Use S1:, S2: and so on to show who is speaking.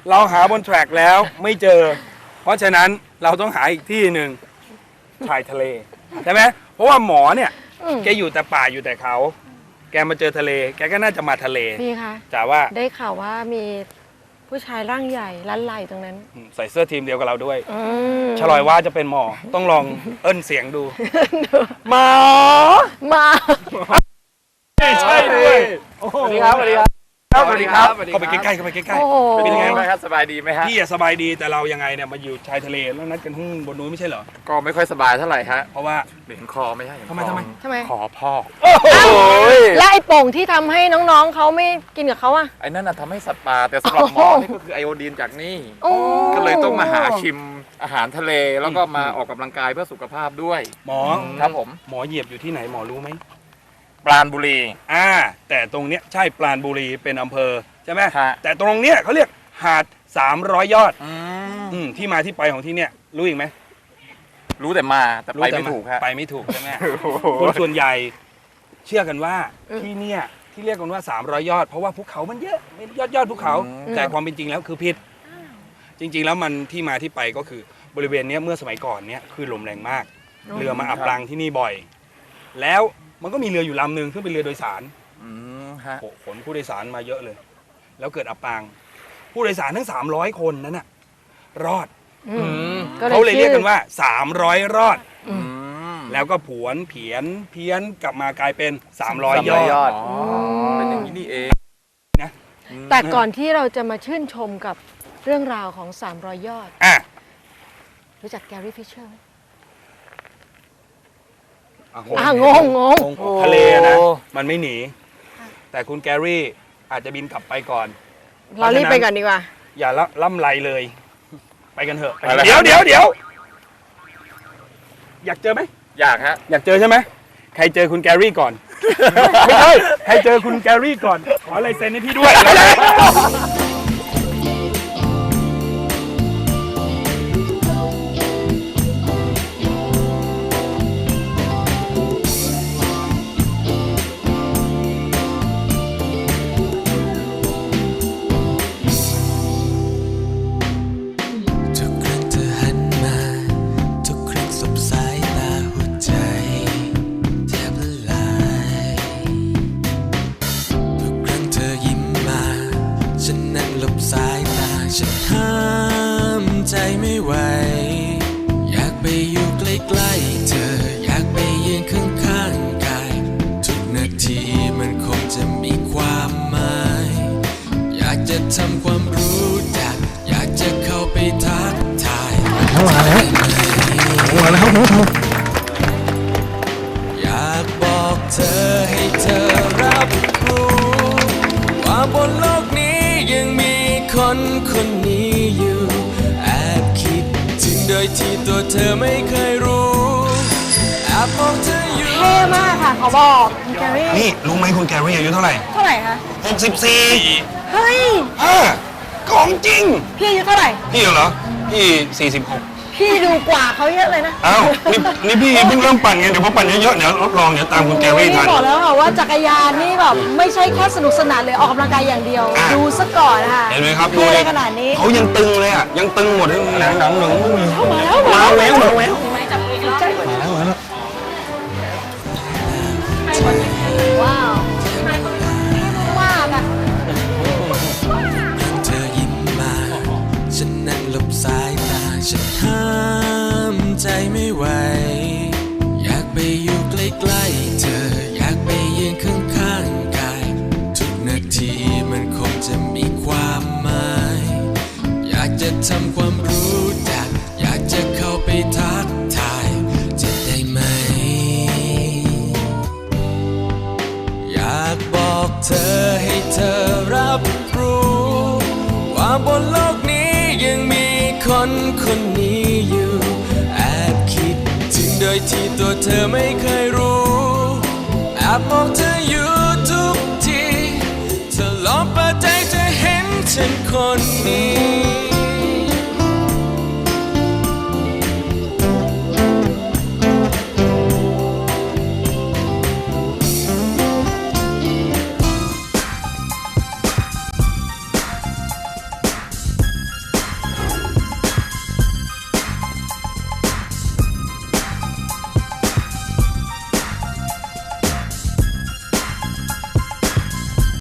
S1: เราหาบนแทร็กแล้วไม่เจอเพราะฉะนั้นเราต้องหาอีกที่หนึ่งชายทะเลใช่ไหมเพราะว่าหมอเนี่ยแกอยู่แต่ป่าอยู่แต่เขาแกมาเจอทะเลแกก็น่าจะมาทะเล
S2: พี่คะ
S1: จ๋าว่า
S2: ได้ข่าวว่ามีผู้ชายร่างใหญ่ลั้นไหลตรงนั้น
S1: ใส่เสื้อทีมเดียวกับเราด้วยฉลอยว่าจะเป็นหมอต้องลองเอิ้นเสียงดูหมอใช่ด้วย
S3: สวัสดีครับสวัสดีครับ
S1: สวัสดีครับเข้าไปใกล้ๆเข้าไปใกล้ๆ
S3: เป็นยังไงครับสบายดีไหมฮะ
S1: พี่สบายดีแต่เรายังไงเนี่ยมาอยู่ชายทะเลแล้วนัดกันข้างบนนู้นไม่ใช่เหรอ
S3: ก็ไม่ค่อยสบายเท่าไหร่ฮะ
S1: เพราะว่า
S3: เหม็นคอไม่ใช่
S1: ทำไม
S3: คอพ่อ
S2: และไอ้โป่งที่ทำให้น้องๆเขาไม่กินกับเขาอะ
S3: ไอ้นั่นน่ะทำให้สัตว์ป่าแต่สำหรับหมอนี่ก็คือไอโอดีนจากนี่ก็เลยต้องมาหาชิมอาหารทะเลแล้วก็มาออกกำลังกายเพื่อสุขภาพด้วย
S1: หมอ
S3: ครับผม
S1: หมอเหยียบอยู่ที่ไหนหมอรู้ไหม
S3: ปราณบุรี
S1: แต่ตรงเนี้ยใช่ปราณบุรีเป็นอำเภอใช่ไหมแต่ตรงเนี้ยเขาเรียกหาด300 ยอดที่มาที่ไปของที่เนี้ยรู้อีกไหม
S3: รู้แต่มาแต่ไปไม่ถูกครับ
S1: ไปไม่ถูกใช่ไหมคนส่วนใหญ่เชื่อกันว่าที่เนี้ยที่เรียกกันว่า300 ยอดเพราะว่าภูเขามันเยอะยอดภูเขาแต่ความเป็นจริงแล้วคือผิดจริงๆแล้วมันที่มาที่ไปก็คือบริเวณนี้เมื่อสมัยก่อนเนี้ยคลื่นลมแรงมากเรือมาอับปางที่นี่บ่อยแล้วมันก็มีเรืออยู่ลำหนึ่งซึ่งเป็นเรือโดยสารขนผู้โดยสารมาเยอะเลยแล้วเกิดอับปางผู้โดยสารทั้ง300 คนนั้นน่ะรอดเขาเลยเรียกกันว่า300 รอดแล้วก็ผวนเพี้ยนกลับมากลายเป็น300 ยอด
S3: เป็นอย่างนี้นี่เอง
S2: นะแต่ก่อนที่เราจะมาชื่นชมกับเรื่องราวของ300 ยอดรู้จักแกรี่ฟิชเชอร์ไหมงง
S1: ทะเลนะมันไม่หนีแต่คุณแกรี่อาจจะบินกลับไปก่อน
S2: เรารีบไปก่อนดีกว่า
S1: อย่าล่ำไรเลยไปกันเถอะเดี๋ยวอยากเจอไหม
S3: อยากฮะ
S1: อยากเจอใช่ไหมใครเจอคุณแกรี่ก่อนไม่ใช่ใครเจอคุณแกรี่ก่อนขอลายเซ็นให้พี่ด้วย
S4: อยากไปอยู่ใกล้ๆเธออยากไปยืนข้างๆกายทุกนาทีมันคงจะมีความหมายอยากจะทำความรู้จักอยากจะเข้าไปทักทายมาแล้วอยากบอกเธอให้เธอรับรู้ว่าบนโลกนี้ยังมีคนคนนี้อยู่โดยที่ตัวเธอไม่เคยรู้แอบมองเธออยู่
S2: เท่มากค่ะเขาบอกคุณแกรี่
S1: นี่รู้ไหมคุณแกรี่อายุเท่าไหร่
S2: คะ
S1: 64
S2: เฮ้ย
S1: ของจริง
S2: พี่อายุเท่าไหร่
S1: พี่เหรอพี่46
S2: พี่ดูกว่าเขาเยอะเลยนะ
S1: อ้าวนี่พี่เพิ่งเริ่มปั่นไงเดี๋ยวพอปั่นเยอะๆเดี๋ยวรับรองเดี๋ยวตามคุณแกรี่ทัน
S2: บอกแล้วค่ะว่าจักรยานนี่แบบไม่ใช่แค่สนุกสนานเลยออกกำลังกายอย่างเดียวดูซะก่อนค่ะ
S1: เห็นไหมครับ
S2: ดูได้ขนาดนี้
S1: เขายังตึงเลยอ่ะยังตึงหมดเลยหนัง
S2: มาแล้ว
S1: มาแล้ว
S2: ว้าวมากอ่ะ
S4: เธอยิ้มมาฉันนั่งหลบสายตาฉันห้ามใจไม่ไหวอยากไปอยู่ใกล้ๆเธออยากไปยืนข้างๆกายทุกนาทีมันคงจะมีความหมายอยากจะทำความรู้จักอยากจะเข้าไปทักทายจะได้ไหมอยากบอกเธอให้เธอรับรู้ว่าบนโลกนี้ยังมีคนคนนี้อยู่แอบคิดถึงโดยที่ตัวเธอไม่เคยรู้แอบมองเธออยู่ทุกทีเธอลองเปิดใจจะเห็นฉันคนนี้